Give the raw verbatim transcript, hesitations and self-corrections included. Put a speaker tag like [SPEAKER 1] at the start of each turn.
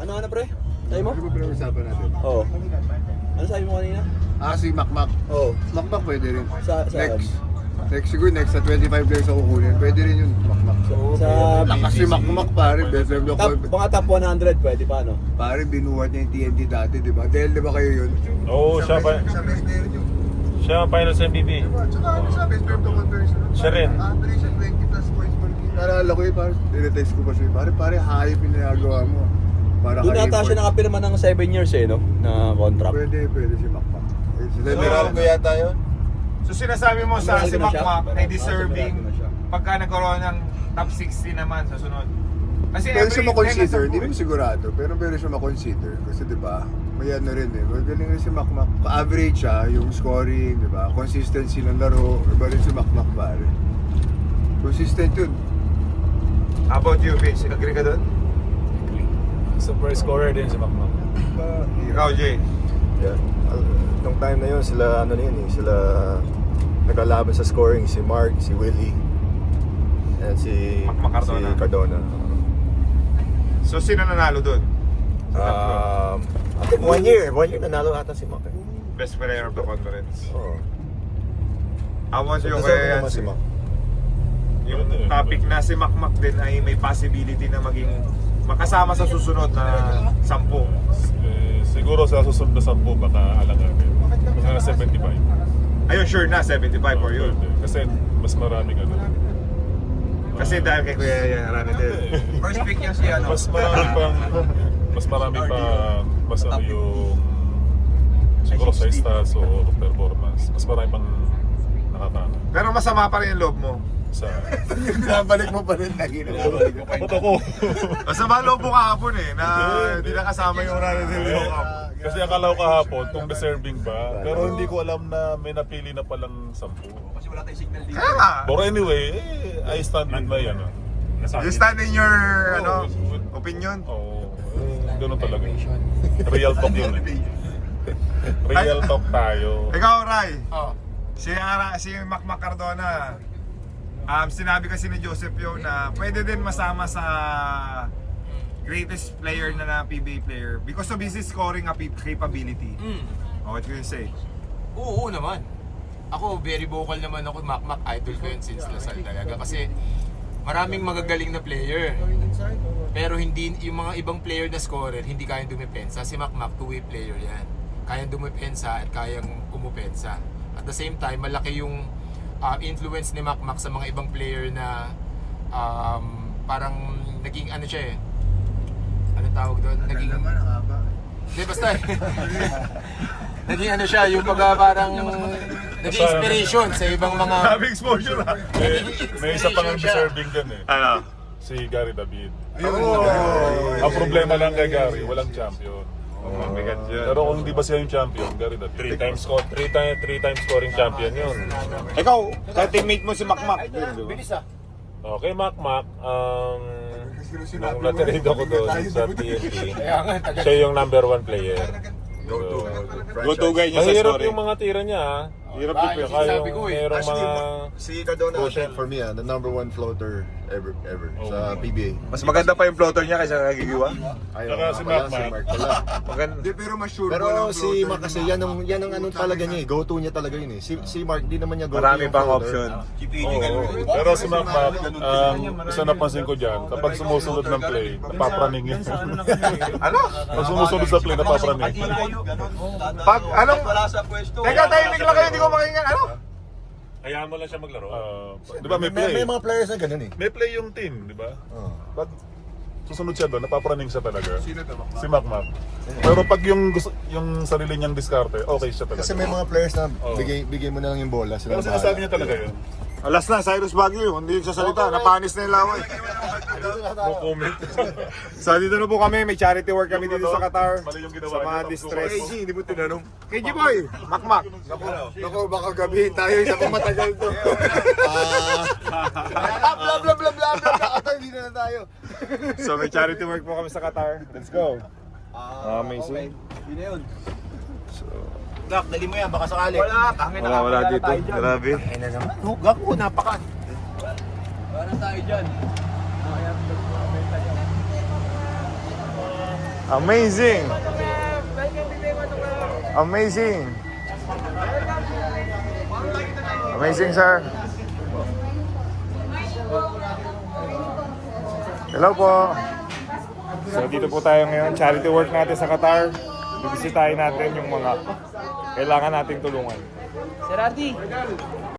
[SPEAKER 1] Ano ano pre? Sabi mo?
[SPEAKER 2] Ano ba pinag-usapan natin?
[SPEAKER 1] Oo. Ano sabi mo kanina?
[SPEAKER 2] Ah, si Macmac.
[SPEAKER 1] Oo.
[SPEAKER 2] Macmac pwede rin.
[SPEAKER 1] Sa, sa
[SPEAKER 2] Next. Next siguro next sa twenty-five players ako kukunin. Pwede rin yun, Macmac.
[SPEAKER 1] Sa, sa
[SPEAKER 2] Lakas si Macmac pare, best friend
[SPEAKER 1] top,
[SPEAKER 2] ako.
[SPEAKER 1] mga top one hundred pwede pa no?
[SPEAKER 2] Pare, binuhat niya yung T N T dati, di ba? Dahil di ba kayo yun?
[SPEAKER 3] Oo, siya pa.
[SPEAKER 2] Siya best player yun.
[SPEAKER 3] Siya ang finals M V P.
[SPEAKER 2] Diba? Tsaka ano siya, best friend to one person.
[SPEAKER 3] Siya rin.
[SPEAKER 2] Average siya twenty plus points per game. Naalala ko yun, pare, tinetext ko pa siya. Pare, pare, hayop yung nagagawa mo. Para
[SPEAKER 1] Doon
[SPEAKER 2] kay
[SPEAKER 1] nata siya
[SPEAKER 2] import.
[SPEAKER 1] nakapirma ng seven years eh no? Na contract.
[SPEAKER 2] Pwede, pwede si Macmac. Eh, si
[SPEAKER 4] So,
[SPEAKER 2] Lemeral ko yata yun.
[SPEAKER 4] So sinasabi mo sa
[SPEAKER 1] Sigurado
[SPEAKER 4] si
[SPEAKER 1] na siya?
[SPEAKER 4] Macmac ay
[SPEAKER 1] Ah,
[SPEAKER 4] deserving
[SPEAKER 1] sigurado na siya.
[SPEAKER 4] pagka nagkaroon ng top sixty naman sa sunod. Kasi
[SPEAKER 2] Pwede siya makonsider,
[SPEAKER 4] every-
[SPEAKER 2] hindi naman sigurado, pero pwede siya makonsider. Kasi di ba, may ano rin eh, magaling rin si Macmac. Ka-average siya, yung scoring, di ba, consistency ng laro, iba rin si Macmac pare. Consistent yun.
[SPEAKER 4] How about you, Vince? Agree ka doon?
[SPEAKER 3] Super scorer din si Macmac.
[SPEAKER 4] Ikaw, Jay.
[SPEAKER 5] Yeah. Uh, nung time na yun, sila ano na yun eh, sila naglalaban sa scoring, si Mark, si Willie, and si,
[SPEAKER 4] Mac-
[SPEAKER 5] si
[SPEAKER 4] Cardona.
[SPEAKER 5] Cardona.
[SPEAKER 4] So, sino nanalo doon?
[SPEAKER 5] Um, I think one year, one year nanalo ata si Mac eh.
[SPEAKER 4] Best player of the conference.
[SPEAKER 5] Oo.
[SPEAKER 4] How about
[SPEAKER 5] So,
[SPEAKER 4] you,
[SPEAKER 5] deserve
[SPEAKER 4] kaya
[SPEAKER 5] naman si Mac.
[SPEAKER 4] yung topic na si Macmac din ay may possibility na maging makasama sa susunod na sampu.
[SPEAKER 3] Eh, siguro sa susunod na sampu baka alanganin. Mga seventy-five.
[SPEAKER 4] Ayun, sure na, seventy-five for you.
[SPEAKER 3] Pwede. Kasi mas maraming ano.
[SPEAKER 4] Kasi dahil kay Kuya yan, marami din.
[SPEAKER 6] First pick niya si ano.
[SPEAKER 3] Mas marami pang mas marami pa mas ano yung siguro sa stats o performance. Mas marami pang nakakana
[SPEAKER 4] Pero masama pa rin yung loob mo.
[SPEAKER 3] sa
[SPEAKER 2] Binabalik mo pa rin lagi na.
[SPEAKER 3] Ba't ako?
[SPEAKER 4] Masama loob mo kahapon eh, na hindi nakasama yung Rani Del Rio Cup.
[SPEAKER 3] Kasi akala ko kahapon kung deserving ba, pero hindi ko alam na may napili na palang sampu.
[SPEAKER 6] Kasi wala tayong signal dito.
[SPEAKER 4] Kaya nga,
[SPEAKER 3] But anyway, eh, I stand with my ano.
[SPEAKER 4] you stand in your ano,
[SPEAKER 3] Oh,
[SPEAKER 4] opinion.
[SPEAKER 3] Oo, eh, ganun talaga. Real talk yun eh. Real talk tayo.
[SPEAKER 4] Ikaw, Ray,
[SPEAKER 6] Oh.
[SPEAKER 4] si, Ara, si Macmac Cardona, um, sinabi kasi ni Joseph yun na pwede din masama sa greatest player na na P B A player because of his scoring capability.
[SPEAKER 6] Mm.
[SPEAKER 4] Oh, what can you say?
[SPEAKER 6] Oo naman. Ako, very vocal naman ako. Macmac, idol ko yun since Lasal talaga. Kasi maraming magagaling na player. Pero hindi yung mga ibang player na scorer, hindi kayang dumepensa. Si Macmac, two-way player yan. Kayang dumepensa at kayang umupensa. At the same time, malaki yung uh, influence ni Macmac sa mga ibang player na um, parang naging ano siya eh. Ano tawag doon? Naging... Hindi, basta naging ano siya, yung pagka parang naging inspiration sa ibang mga...
[SPEAKER 4] Sabi exposure ha?
[SPEAKER 3] May, may isa pang deserving din eh.
[SPEAKER 4] Ano?
[SPEAKER 3] Si Gary David.
[SPEAKER 4] Oh.
[SPEAKER 3] Ang problema lang kay Gary, walang champion.
[SPEAKER 4] Oh, mabigat yun.
[SPEAKER 3] Pero kung hindi ba siya yung champion, Gary David. Three times score, three times, three times scoring champion yun.
[SPEAKER 4] Ikaw, sa teammate mo si Macmac.
[SPEAKER 6] Bilis ah.
[SPEAKER 3] Okay, Mac Mac, um, nung natirade ako doon sa T N T, siya yung number one player. So,
[SPEAKER 4] Go-to guy niya sa
[SPEAKER 3] mahirap
[SPEAKER 4] scoring.
[SPEAKER 3] yung mga tira niya ha.
[SPEAKER 4] Hirap
[SPEAKER 6] Ah,
[SPEAKER 4] din
[SPEAKER 6] yung
[SPEAKER 4] yun.
[SPEAKER 3] Kaya
[SPEAKER 6] sinabi ko
[SPEAKER 3] yung
[SPEAKER 6] eh.
[SPEAKER 3] merong
[SPEAKER 5] Actually,
[SPEAKER 3] mga...
[SPEAKER 5] Si Cardona,
[SPEAKER 3] Oh, shit.
[SPEAKER 5] for me, ah, the number one floater ever, ever
[SPEAKER 3] Oh.
[SPEAKER 5] sa P B A.
[SPEAKER 4] Mas maganda pa yung floater niya kaysa kagigiwa.
[SPEAKER 5] Ayaw
[SPEAKER 3] Saka
[SPEAKER 5] nga
[SPEAKER 3] si
[SPEAKER 5] pala,
[SPEAKER 3] Mac Mac.
[SPEAKER 5] si Mark pala.
[SPEAKER 4] Maganda.
[SPEAKER 2] Hindi, pero mas sure
[SPEAKER 5] Pero
[SPEAKER 2] mo ng
[SPEAKER 5] si
[SPEAKER 2] floater
[SPEAKER 5] Mark kasi,
[SPEAKER 2] yung
[SPEAKER 5] yan ang, yan ang ano talaga niya eh, go-to niya talaga yun eh. Si, si Mark, di naman niya go-to
[SPEAKER 4] Marami
[SPEAKER 5] yung
[SPEAKER 4] pang
[SPEAKER 5] floater.
[SPEAKER 4] option.
[SPEAKER 3] Oo. Pero si Mac Mac, um, isa napansin ko dyan, kapag sumusunod ng play, napapraning yun.
[SPEAKER 4] Ano?
[SPEAKER 3] Pag sumusunod sa play, napapraning.
[SPEAKER 4] Pag, anong?
[SPEAKER 6] Wala sa pwesto.
[SPEAKER 4] Teka, tahimik lang kayo, hindi ko makinggan. Ano?
[SPEAKER 3] Hayaan mo lang siya maglaro. di ba may
[SPEAKER 5] May, may
[SPEAKER 3] play?
[SPEAKER 5] mga players na ganun eh.
[SPEAKER 3] May play yung team, di ba?
[SPEAKER 5] Oh.
[SPEAKER 3] Pag susunod siya doon, napapraning siya talaga.
[SPEAKER 2] Sino to, Macmac?
[SPEAKER 3] Si Mac Mac. Pero pag yung gusto, yung sarili niyang diskarte, okay siya talaga.
[SPEAKER 5] Kasi may mga players na
[SPEAKER 3] Oo.
[SPEAKER 5] bigay, bigay mo na lang yung bola. Sila
[SPEAKER 3] Pero
[SPEAKER 5] na
[SPEAKER 3] sinasabi
[SPEAKER 5] bahala.
[SPEAKER 3] niya talaga yun.
[SPEAKER 4] Alas na, Cyrus Baguio. Hindi yung sasalita. Napanis na yung laway.
[SPEAKER 3] No comment.
[SPEAKER 4] So, dito na po kami. May charity work kami dito sa Qatar.
[SPEAKER 3] Mali yung ginawa
[SPEAKER 4] Sa mga
[SPEAKER 3] niya.
[SPEAKER 4] distress.
[SPEAKER 2] K G, hindi mo tinanong.
[SPEAKER 4] K G Boy, Macmac.
[SPEAKER 2] Naku, naku, baka gabihin tayo, isa pa matagal to. Ah, bla bla bla bla bla, bla, hindi na na tayo.
[SPEAKER 4] So, may charity work po kami sa Qatar. Let's go. Amazing.
[SPEAKER 1] Yun na yun.
[SPEAKER 6] Gak, dali mo yan, baka sakali.
[SPEAKER 1] Wala, tangin
[SPEAKER 4] Wala, wala dito. Grabe.
[SPEAKER 6] Ay na naman. Oh, gak ko, napakan.
[SPEAKER 1] Wala tayo dyan.
[SPEAKER 4] Amazing! Amazing! Amazing, sir. Hello po. So dito po tayo ngayon, charity work natin sa Qatar. Bibisitahin natin yung mga kailangan nating tulungan.
[SPEAKER 7] Sir Artie,